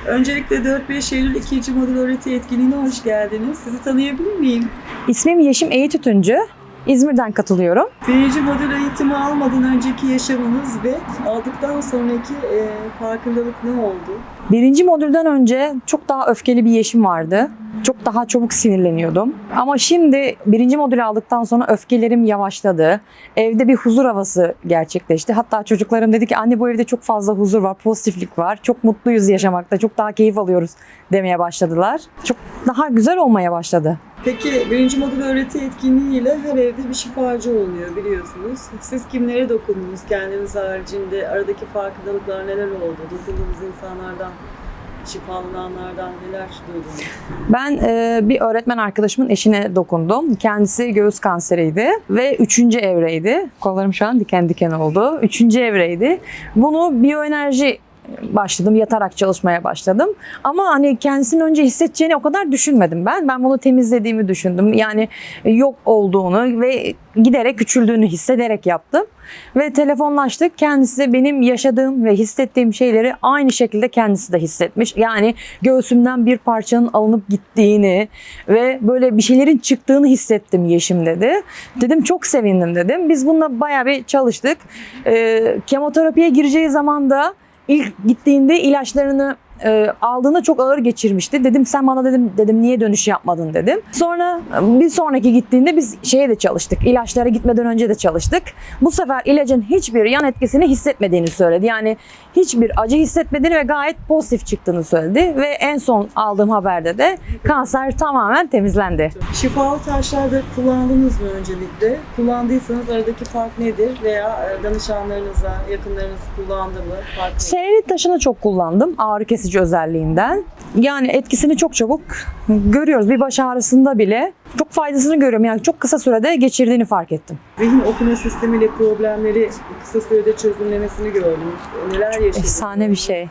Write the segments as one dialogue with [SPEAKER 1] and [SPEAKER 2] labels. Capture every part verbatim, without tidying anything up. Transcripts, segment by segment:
[SPEAKER 1] Öncelikle dört beş Eylül ikinci modül öğreti etkinliğine hoş geldiniz. Sizi tanıyabilir miyim?
[SPEAKER 2] İsmim Yeşim Eğit Tütüncü. İzmir'den katılıyorum.
[SPEAKER 1] Birinci modül eğitimi almadan önceki yaşamınız ve aldıktan sonraki e, farkındalık ne oldu?
[SPEAKER 2] Birinci modülden önce çok daha öfkeli bir Yeşim vardı. Çok daha çabuk sinirleniyordum. Ama şimdi birinci modülü aldıktan sonra öfkelerim yavaşladı. Evde bir huzur havası gerçekleşti. Hatta çocuklarım dedi ki anne bu evde çok fazla huzur var, pozitiflik var. Çok mutluyuz yaşamakta, çok daha keyif alıyoruz demeye başladılar. Çok daha güzel olmaya başladı.
[SPEAKER 1] Peki birinci modül öğreti etkinliğiyle her evde bir şifacı oluyor biliyorsunuz. Siz kimlere dokundunuz? Kendiniz haricinde aradaki farkındalıklar neler oldu? Dokunduğunuz insanlardan, şifalananlardan neler duydunuz?
[SPEAKER 2] Ben e, bir öğretmen arkadaşımın eşine dokundum. Kendisi göğüs kanseriydi ve üçüncü evreydi. Kollarım şu an diken diken oldu. Üçüncü evreydi. Bunu biyoenerji başladım, yatarak çalışmaya başladım. Ama hani kendisinin önce hissedeceğini o kadar düşünmedim ben. Ben bunu temizlediğimi düşündüm. Yani yok olduğunu ve giderek küçüldüğünü hissederek yaptım. Ve telefonlaştık. Kendisi benim yaşadığım ve hissettiğim şeyleri aynı şekilde kendisi de hissetmiş. Yani göğsümden bir parçanın alınıp gittiğini ve böyle bir şeylerin çıktığını hissettim Yeşim dedi. Dedim çok sevindim dedim. Biz bununla bayağı bir çalıştık. Ee, kemoterapiye gireceği zaman da İlk gittiğinde ilaçlarını e, aldığında çok ağır geçirmişti. Dedim sen bana dedim dedim niye dönüş yapmadın dedim. Sonra bir sonraki gittiğinde biz şeye de çalıştık. İlaçlara gitmeden önce de çalıştık. Bu sefer ilacın hiçbir yan etkisini hissetmediğini söyledi. Yani hiçbir acı hissetmediğini ve gayet pozitif çıktığını söyledi. Ve en son aldığım haberde de kanser tamamen temizlendi.
[SPEAKER 1] Şifalı taşlarda kullandınız mı öncelikle? Kullandıysanız aradaki fark nedir? Veya danışanlarınıza, yakınlarınız kullandı mı? Fark nedir?
[SPEAKER 2] Serenit taşını çok kullandım ağrı kesici özelliğinden. Yani etkisini çok çabuk görüyoruz. Bir baş ağrısında bile çok faydasını görüyorum. Yani çok kısa sürede geçirdiğini fark ettim.
[SPEAKER 1] Zihin okuma sistemiyle problemleri kısa sürede çözümlemesini gördünüz. Neler yaşadınız?
[SPEAKER 2] Efsane bir şey.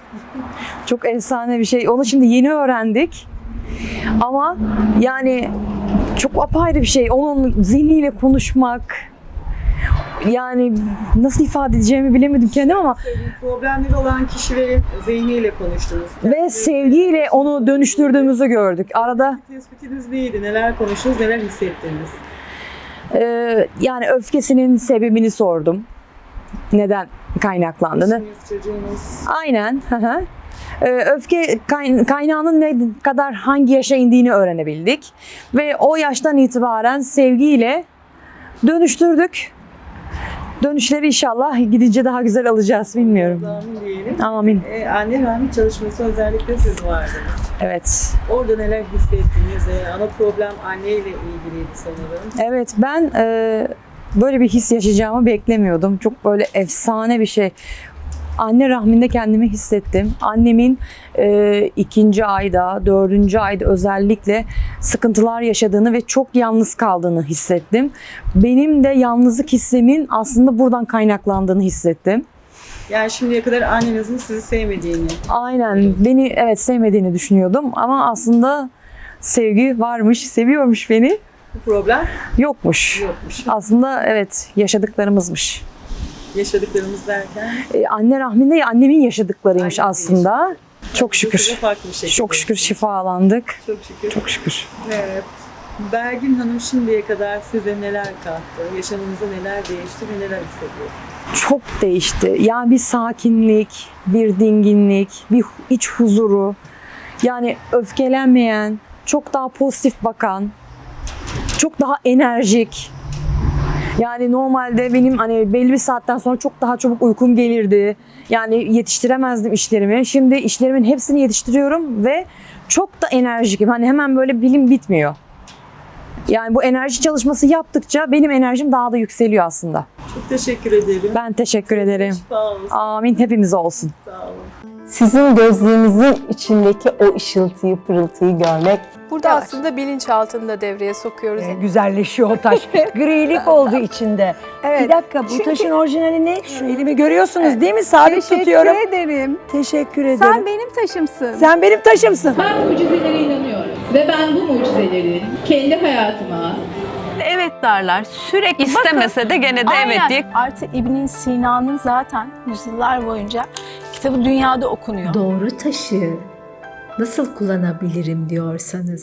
[SPEAKER 2] Çok efsane bir şey. Onu şimdi yeni öğrendik. Ama yani çok apayrı bir şey. Onun zihniyle konuşmak, yani nasıl ifade edeceğimi bilemedim kendim ama
[SPEAKER 1] problemleri olan kişilerin zihniyle konuştunuz.
[SPEAKER 2] ve sevgiyle onu dönüştürdüğümüzü gördük. Arada
[SPEAKER 1] Tespitiniz neydi? Neler konuştunuz? Neler hissettiniz?
[SPEAKER 2] e, yani öfkesinin sebebini sordum. Neden kaynaklandığını.
[SPEAKER 1] Eşiniz, çocuğunuz.
[SPEAKER 2] Aynen. Hı hı. Ee, Öfke kay- kaynağının ne kadar hangi yaşa indiğini öğrenebildik. Ve o yaştan itibaren sevgiyle dönüştürdük. Dönüşleri inşallah gidince daha güzel alacağız bilmiyorum.
[SPEAKER 1] Amin diyelim.
[SPEAKER 2] Amin.
[SPEAKER 1] Ee, anne rahmi çalışması özellikle siz vardınız.
[SPEAKER 2] Evet.
[SPEAKER 1] Orada neler hissettiniz? Ee, ana problem anneyle ilgiliydi sanırım.
[SPEAKER 2] Evet ben e, böyle bir his yaşayacağımı beklemiyordum. Çok böyle efsane bir şey. Anne rahminde kendimi hissettim. Annemin e, ikinci ayda, dördüncü ayda özellikle sıkıntılar yaşadığını ve çok yalnız kaldığını hissettim. Benim de yalnızlık hissimin aslında buradan kaynaklandığını hissettim.
[SPEAKER 1] Yani şimdiye kadar annenizin sizi sevmediğini.
[SPEAKER 2] Aynen beni evet sevmediğini düşünüyordum ama aslında sevgi varmış, seviyormuş beni.
[SPEAKER 1] Bu problem
[SPEAKER 2] Yokmuş.
[SPEAKER 1] yokmuş.
[SPEAKER 2] Aslında evet yaşadıklarımızmış.
[SPEAKER 1] Yaşadıklarımız derken
[SPEAKER 2] Ee, anne rahminde annemin yaşadıklarıymış
[SPEAKER 1] Annemin
[SPEAKER 2] aslında. Çok şükür.
[SPEAKER 1] bu da farklı bir şekilde.
[SPEAKER 2] Çok şükür şifalandık.
[SPEAKER 1] Çok şükür.
[SPEAKER 2] Çok şükür.
[SPEAKER 1] Evet. Belgin Hanım şimdiye kadar size neler kattı? Yaşamınızda neler değişti ve neler hissediyorsunuz?
[SPEAKER 2] Çok değişti. Yani bir sakinlik, bir dinginlik, bir iç huzuru. Yani öfkelenmeyen, çok daha pozitif bakan, çok daha enerjik. Yani normalde benim hani belli bir saatten sonra çok daha çabuk uykum gelirdi. Yani yetiştiremezdim işlerimi. Şimdi işlerimin hepsini yetiştiriyorum ve çok da enerjikim. Hani hemen böyle bilim bitmiyor. Yani bu enerji çalışması yaptıkça benim enerjim daha da yükseliyor aslında.
[SPEAKER 1] Çok teşekkür ederim.
[SPEAKER 2] Ben teşekkür ederim.
[SPEAKER 1] Şifa olsun.
[SPEAKER 2] Amin hepimize olsun.
[SPEAKER 1] Sağ olun.
[SPEAKER 3] Sizin gözlerinizin içindeki o ışıltıyı, pırıltıyı görmek.
[SPEAKER 4] Burada
[SPEAKER 5] Yavaş.
[SPEAKER 4] aslında bilinçaltını da devreye sokuyoruz.
[SPEAKER 5] Ee, güzelleşiyor o taş. Grilik oldu içinde.
[SPEAKER 6] Evet.
[SPEAKER 5] Bir dakika bu
[SPEAKER 6] Çünkü-
[SPEAKER 5] taşın orijinali ne? Şu elimi görüyorsunuz değil mi? Sabit
[SPEAKER 6] Teşekkür
[SPEAKER 5] tutuyorum.
[SPEAKER 6] ederim.
[SPEAKER 5] Teşekkür ederim.
[SPEAKER 6] Sen benim taşımsın.
[SPEAKER 5] Sen benim taşımsın.
[SPEAKER 7] Ben mucizelere inanıyorum ve ben bu mucizeleri kendi hayatıma
[SPEAKER 8] Evet derler. Sürekli
[SPEAKER 9] İstemese de gene de evet diye.
[SPEAKER 6] Artı İbn Sina'nın zaten yüzyıllar boyunca kitabı dünyada okunuyor.
[SPEAKER 10] Doğru taşı
[SPEAKER 6] nasıl kullanabilirim diyorsanız